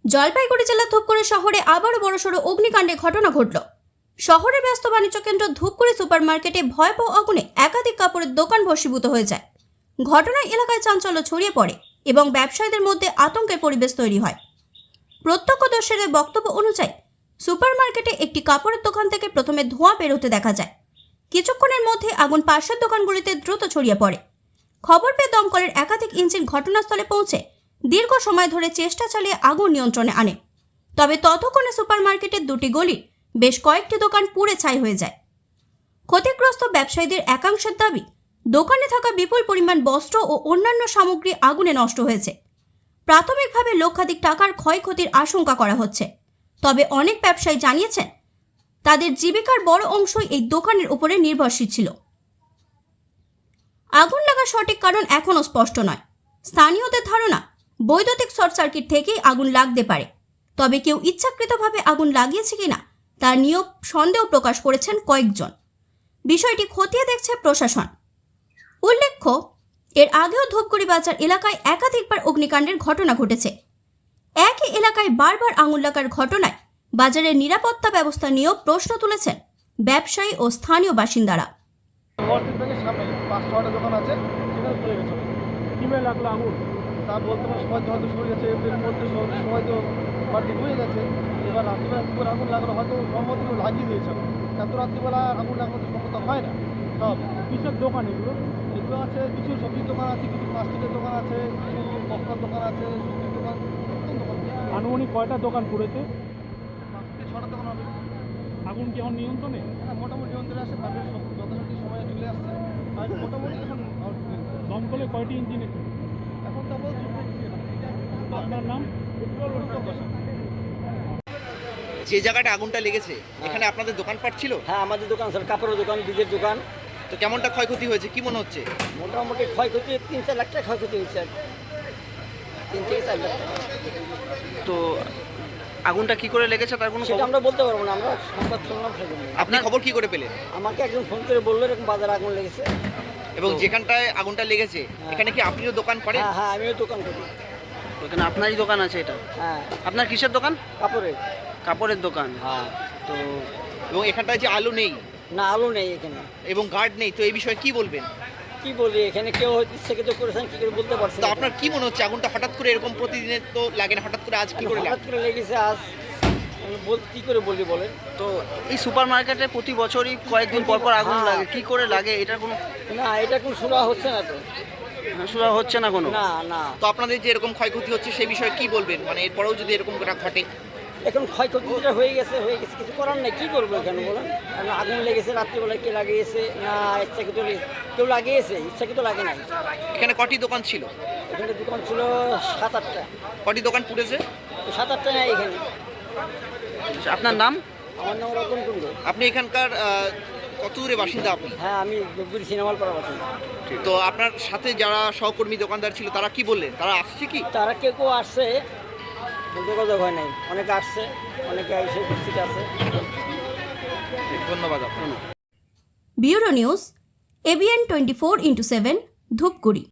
জলপাইগুড়ি জেলার ধূপগুড়ি শহরে আবারও বড়সড় অগ্নিকাণ্ডের ঘটনা ঘটল। শহরের ব্যস্ত বাণিজ্য কেন্দ্র ধূপগুড়ি সুপার মার্কেটে ভয়াবহ আগুনে একাধিক কাপড়ের দোকান ভস্মীভূত হয়ে যায়। ঘটনায় এলাকায় চাঞ্চল্য ছড়িয়ে পড়ে এবং ব্যবসায়ীদের মধ্যে আতঙ্কের পরিবেশ তৈরি হয়। প্রত্যক্ষদর্শীদের বক্তব্য অনুযায়ী সুপার মার্কেটে একটি কাপড়ের দোকান থেকে প্রথমে ধোঁয়া বেরোতে দেখা যায়। কিছুক্ষণের মধ্যে আগুন পাশের দোকানগুলিতে দ্রুত ছড়িয়ে পড়ে। খবর পেয়ে দমকলের একাধিক ইঞ্জিন ঘটনাস্থলে পৌঁছে দীর্ঘ সময় ধরে চেষ্টা চালিয়ে আগুন নিয়ন্ত্রণে আনে। তবে ততক্ষণে সুপার মার্কেটের দুটি গলির বেশ কয়েকটি দোকান পুড়ে ছাই হয়ে যায়। ক্ষতিগ্রস্ত ব্যবসায়ীদের একাংশের দাবি, দোকানে থাকা বিপুল পরিমাণ বস্ত্র ও অন্যান্য সামগ্রী আগুনে নষ্ট হয়েছে। প্রাথমিকভাবে লক্ষাধিক টাকার ক্ষয়ক্ষতির আশঙ্কা করা হচ্ছে। তবে অনেক ব্যবসায়ী জানিয়েছেন তাদের জীবিকার বড় অংশই এই দোকানের উপরে নির্ভরশীল ছিল। আগুন লাগার সঠিক কারণ এখনও স্পষ্ট নয়। স্থানীয়দের ধারণা, বৈদ্যুতিক শর্ট সার্কিট থেকেই আগুন লাগতে পারে। তবে কেউ ইচ্ছাকৃতভাবে আগুন লাগিয়েছে কিনা তা নিয়েও সন্দেহ প্রকাশ করেছেন কয়েকজন। বিষয়টি খতিয়ে দেখছে প্রশাসন। উল্লেখ্য, এর আগেও ধূপগুড়ি বাজার এলাকায় একাধিকবার অগ্নিকাণ্ডের ঘটনা ঘটেছে। একই এলাকায় বারবার আগুন লাগার ঘটনায় বাজারের নিরাপত্তা ব্যবস্থা নিয়েও প্রশ্ন তুলেছেন ব্যবসায়ী ও স্থানীয় বাসিন্দারা। দোকান আছে, সেখানে চলে গেছে। কিভাবে লাগলো আগুন তা বলতে পারে, সবাই হয়তো সরে গেছে, এর মধ্যে সবাই তো বাড়ি হয়ে গেছে। এবার রাত্রিবেলা কী করে আগুন লাগলো, হয়তো সম্মত লাগিয়ে দিয়েছে। এত রাত্রিবেলা আগুন লাগানো তো সম্মত হয় না। সব কিসের দোকান এগুলো আছে, কিছু সবজির দোকান আছে, কিছু প্লাস্টিকের দোকান আছে, কিছু বস্তার দোকান আছে, সবজির দোকান। আনুমানিক কয়টা দোকান পুড়েছে? 6টা দোকান হবে। আগুন কি এখন নিয়ন্ত্রণে? হ্যাঁ, মোটামুটি নিয়ন্ত্রণে আসে। তাদের যথাযথ সময়ে চলে আসছে। আর মোটামুটি এখন দমকলে কয়টি ইঞ্জিন এখন তো বলছি। আপনার নাম? যে জায়গাটা আগুনটা লেগেছে এখানে আপনাদের দোকানপাট ছিল? হ্যাঁ, আমাদের দোকান স্যার, কাপড়ের দোকান, বীজের দোকান। তো কেমনটা ক্ষয়ক্ষতি হয়েছে, কি মনে হচ্ছে? মোটামুটি ক্ষয়ক্ষতি 3-4 লাখ টাকা ক্ষয়ক্ষতি হয়েছে। 3 থেকে 4 লাখ টাকা। তো আগুনটা কি করে লেগেছে তার কোনো সেটা আমরা বলতে পারবো না, আমরা সংবাদ শুনলাম সেজন্য। আপনি খবর কি করে পেলেন? আমাকে একজন ফোন করে বললো এরকম বাজারে আগুন লেগেছে। এবং যেখানটায় আগুনটা লেগেছে এখানে কি আপনিও দোকান করেন? হ্যাঁ হ্যাঁ, আমিও দোকান করি। এখানে আপনারই দোকান আছে? এটা হ্যাঁ। আপনার কিসের দোকান? কাপড়ের। কাপড়ের দোকান। হ্যাঁ। তো এবং এখানটায় যে আলো নেই, না আলো নেই এখানে, এবং গার্ড নেই, তো এই বিষয়ে কি বলবেন? কি বলি, এখানে কেউ হয়তো ইচ্ছাকৃত করেছেন, কি করে বলতে পারছি তো না। আপনার কি মনে হচ্ছে আগুনটা হঠাৎ করে এরকম প্রতিদিনের তো লাগে না, হঠাৎ করে আজ কি করে হঠাৎ করে লেগেছে আজ, কি করে বলি বলেন? তো এই সুপার মার্কেটে প্রতি বছরই কয়েকদিন পর পর আগুন লাগে, কি করে লাগে এটার কোনো? না, এটা কোনো শোনা হচ্ছে না তো। শোনা হচ্ছে না কোনো? না না। তো আপনাদের যে এরকম ক্ষয়ক্ষতি হচ্ছে সেই বিষয়ে কি বলবেন? মানে এরপরেও যদি এরকম ঘটে? এখন ক্ষয়ক্ষতিটা হয়ে গেছে, কিছু করার নেই। কী করবো এখানে বলেন? কারণ আগুন লেগেছে, রাত্রিবেলায় কে লাগিয়েছে না ইচ্ছাকৃত কেউ লাগিয়েছে, ইচ্ছাকৃত লাগে নাই। এখানে কটি দোকান ছিল? এখানে দোকান ছিল 7-8টা। কটি দোকান পুড়েছে? 7-8টা নেই এখানে। আপনার নাম? আমার নাম রতন কুণ্ডু। আপনি এখানকার কত দূরে বাসিন্দা আপনি? হ্যাঁ, আমি ধূপগুড়ি সিনেমাল পাড়া বাসিন্দা। তো আপনার সাথে যারা সহকর্মী দোকানদার ছিল তারা কি বললেন? তারা আসছে কি? তারা কেউ আসছে, বলতে কথা হয় নাই। অনেকে আসছে, অনেকে এসে উপস্থিত আছে। ধন্যবাদ আপনার। Bureau news, ABN 24x7, Dhupguri.